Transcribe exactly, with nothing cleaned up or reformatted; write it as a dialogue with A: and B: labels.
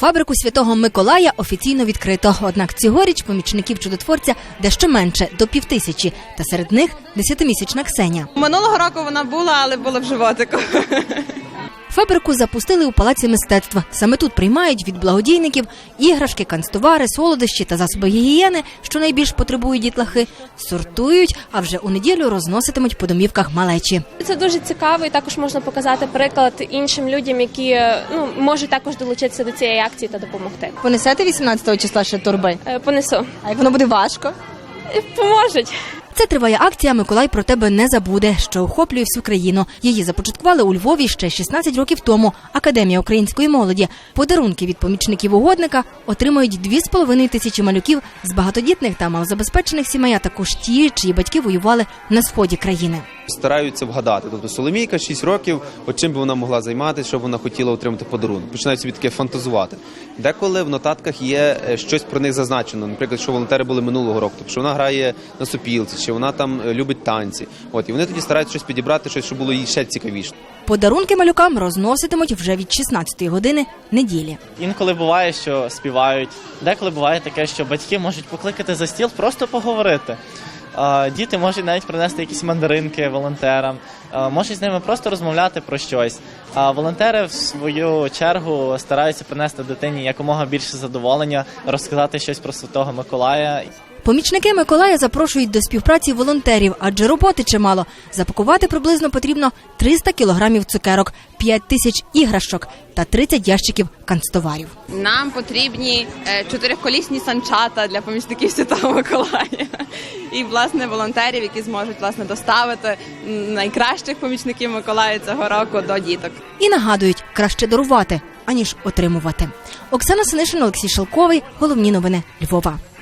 A: Фабрику Святого Миколая офіційно відкрито. Однак цьогоріч помічників чудотворця дещо менше – до півтисячі. Та серед них десятимісячна Ксеня.
B: Минулого року вона була, але була в животику.
A: Фабрику запустили у Палаці мистецтва. Саме тут приймають від благодійників іграшки, канцтовари, солодощі та засоби гігієни, що найбільш потребують дітлахи, сортують, а вже у неділю розноситимуть по домівках малечі.
C: Це дуже цікаво і також можна показати приклад іншим людям, які ну, можуть також долучитися до цієї акції та допомогти.
D: Понесете вісімнадцятого числа ще торби?
C: Е, Понесу.
D: А як воно буде важко?
C: Е, Поможуть.
A: Це триває акція «Миколай про тебе не забуде», що охоплює всю країну. Її започаткували у Львові ще шістнадцять років тому. Академія української молоді. Подарунки від помічників угодника отримують дві з половиною тисячі малюків з багатодітних та малозабезпечених сімей, а також ті, чиї батьки воювали на сході країни.
E: Стараються вгадати. Тобто Соломійка, шість років, от чим би вона могла займатися, щоб вона хотіла отримати подарунок. Починають собі таке фантазувати. Деколи в нотатках є щось про них зазначено. Наприклад, що волонтери були минулого року, тобто що вона грає на сопілці, чи вона там любить танці. От, і вони тоді стараються щось підібрати, щось, щоб було їй ще цікавіше.
A: Подарунки малюкам розноситимуть вже від шістнадцятої години неділі.
F: Інколи буває, що співають. Деколи буває таке, що батьки можуть покликати за стіл, просто поговорити. Діти можуть навіть принести якісь мандаринки волонтерам, можуть з ними просто розмовляти про щось. А волонтери, в свою чергу, стараються принести дитині якомога більше задоволення, розказати щось про Святого Миколая.
A: Помічники Миколая запрошують до співпраці волонтерів, адже роботи чимало. Запакувати приблизно потрібно триста кілограмів цукерок, п'ять тисяч іграшок та тридцять ящиків канцтоварів.
B: Нам потрібні чотириколісні санчата для помічників Святого Миколая. І, власне, волонтерів, які зможуть, власне, доставити найкращих помічників Миколая цього року до діток.
A: І нагадують, краще дарувати, аніж отримувати. Оксана Синишин, Олексій Шелковий. Головні новини Львова.